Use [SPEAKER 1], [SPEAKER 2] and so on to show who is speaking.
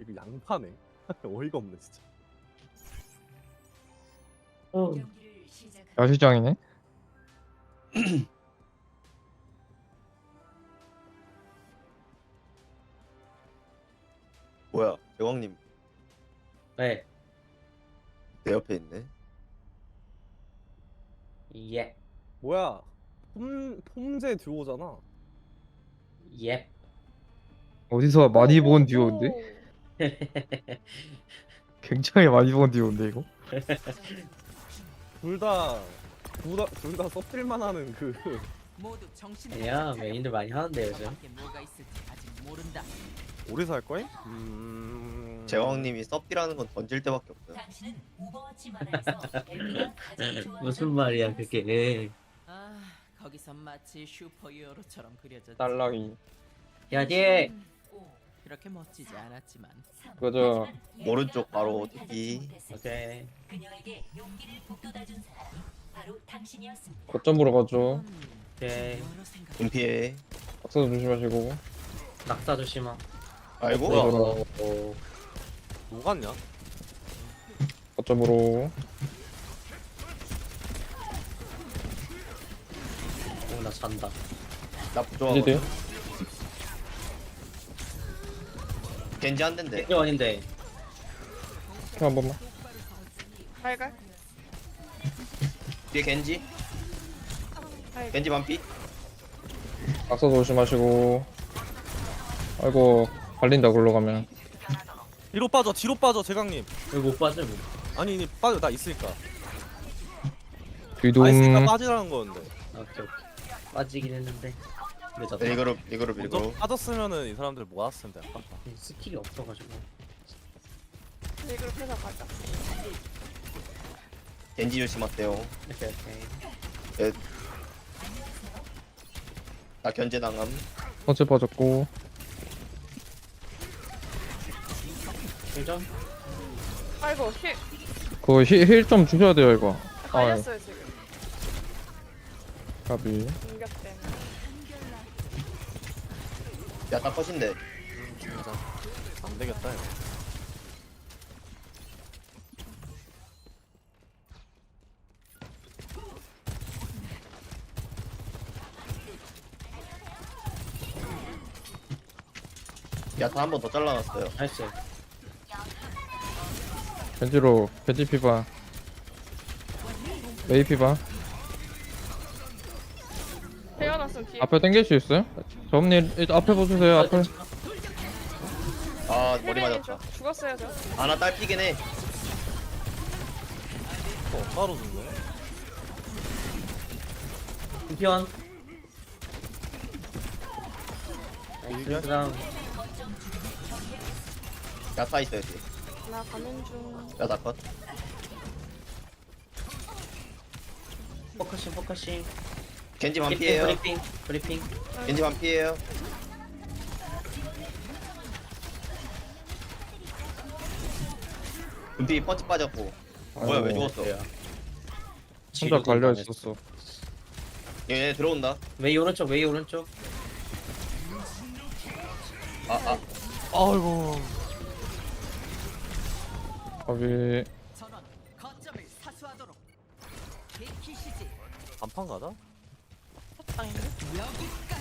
[SPEAKER 1] 이거 양파네. 어이가 없네 진짜.
[SPEAKER 2] 야시장이네.
[SPEAKER 3] 뭐야, 대왕님
[SPEAKER 4] 네.
[SPEAKER 3] 내 옆에 있네.
[SPEAKER 4] 예.
[SPEAKER 1] 뭐야? 폼제 듀오잖아.
[SPEAKER 4] 예.
[SPEAKER 2] 어디서 많이 본 듀오인데? 굉장히 많이 본 듀오인데 이거?
[SPEAKER 1] 둘다 썩질만 하는 그
[SPEAKER 5] 모두 정신을
[SPEAKER 4] 아니야,
[SPEAKER 5] 차려.
[SPEAKER 4] 메인들 많이 하는데 요즘.
[SPEAKER 5] 밖에 뭐가 있을지 아직 모른다.
[SPEAKER 1] 오래 살 거임?
[SPEAKER 3] 제왕님이 썹디라는 건 던질 때밖에 없어요.
[SPEAKER 6] 당신은 오버워치 만화에서 엘리가 가장 좋아하는
[SPEAKER 4] 무슨 말이야 그게.
[SPEAKER 5] 아, 거기서 마치 슈퍼히어로처럼 그려졌지.
[SPEAKER 2] 딸랑이.
[SPEAKER 4] 야, 뒤에.
[SPEAKER 5] 그렇게 멋지지 않았지만
[SPEAKER 2] 그저
[SPEAKER 3] 오른쪽 바로 TP.
[SPEAKER 4] 오케이.
[SPEAKER 6] 그녀에게 용기를 북돋아준 사람이 바로 당신이었습니다.
[SPEAKER 2] 거점으로 가죠.
[SPEAKER 4] 오케이.
[SPEAKER 5] 여러 생각.
[SPEAKER 3] 분피해.
[SPEAKER 2] 박사도 조심하시고.
[SPEAKER 4] 낙사 조심하.
[SPEAKER 3] 아이고.
[SPEAKER 1] 뭐야?
[SPEAKER 4] 오.
[SPEAKER 1] 녹았냐?
[SPEAKER 2] 거점으로.
[SPEAKER 4] 오, 나 잔다.
[SPEAKER 3] 나
[SPEAKER 2] 이제
[SPEAKER 3] 부조하거든. 겐지 한 대인데.
[SPEAKER 4] 겐지원인데.
[SPEAKER 2] 한 번만.
[SPEAKER 7] 발갈?
[SPEAKER 3] 뒤에 겐지. 겐지 반피.
[SPEAKER 2] 박사도 조심하시고. 아이고 발린다 굴러 가면.
[SPEAKER 1] 뒤로 빠져 제강님.
[SPEAKER 4] 여기 못 빠져. 뭐.
[SPEAKER 1] 아니 빠져 나 있으니까.
[SPEAKER 2] 뒤동.
[SPEAKER 1] 아 있으니까 빠지라는 거였는데.
[SPEAKER 4] 오케이. 빠지긴 했는데. 늦었다.
[SPEAKER 3] 리그룹.
[SPEAKER 1] 먼저 빠졌으면은 이 사람들 모았을 텐데 아깝다.
[SPEAKER 4] 스킬이 없어가지고.
[SPEAKER 7] 리그룹 회사 가자.
[SPEAKER 3] 겐지 조심하세요.
[SPEAKER 4] 오케이 오케이.
[SPEAKER 3] 나 견제 당함.
[SPEAKER 2] 선체 빠졌고.
[SPEAKER 4] 일점.
[SPEAKER 7] 아이고 힐
[SPEAKER 2] 그거 힐 좀 주셔야 돼요 이거.
[SPEAKER 7] 걸렸어요 지금.
[SPEAKER 2] 가비.
[SPEAKER 7] 공격 때문에.
[SPEAKER 3] 야다 컷인데.
[SPEAKER 1] 맞아. 안 되겠다 이거.
[SPEAKER 3] 야타 한 번 더 잘라놨어요.
[SPEAKER 4] 나이스.
[SPEAKER 2] 겐지로 겐지 피바. 메이 피바.
[SPEAKER 7] 태어났으면 뒤에.
[SPEAKER 2] 앞에 당길 수 있어요? 저음님 일단 앞에 보세요 앞에.
[SPEAKER 3] 아 머리
[SPEAKER 7] 힐베인
[SPEAKER 3] 맞았다.
[SPEAKER 7] 죽었어요 저.
[SPEAKER 3] 아나 딸피긴 해.
[SPEAKER 1] 따로 죽네.
[SPEAKER 4] 챔피언.
[SPEAKER 1] 이게?
[SPEAKER 4] 그다음
[SPEAKER 3] 야타 있어야지.
[SPEAKER 7] 나 가는 중.
[SPEAKER 3] 야타 컷.
[SPEAKER 4] 포커싱.
[SPEAKER 3] 겐지 반피에요.
[SPEAKER 4] 브리핑.
[SPEAKER 3] 겐지 반피에요. 분피 펀치 빠졌고. 뭐야 왜
[SPEAKER 2] 아이고,
[SPEAKER 3] 죽었어?
[SPEAKER 2] 혼자 갈려 있었어.
[SPEAKER 3] 얘 들어온다.
[SPEAKER 4] 웨이 오른쪽.
[SPEAKER 3] 아.
[SPEAKER 1] 아이고.
[SPEAKER 2] 가비.
[SPEAKER 5] 전원 거점을 사수하도록. 비키시지.
[SPEAKER 1] 단판 가자.
[SPEAKER 7] 아닌데?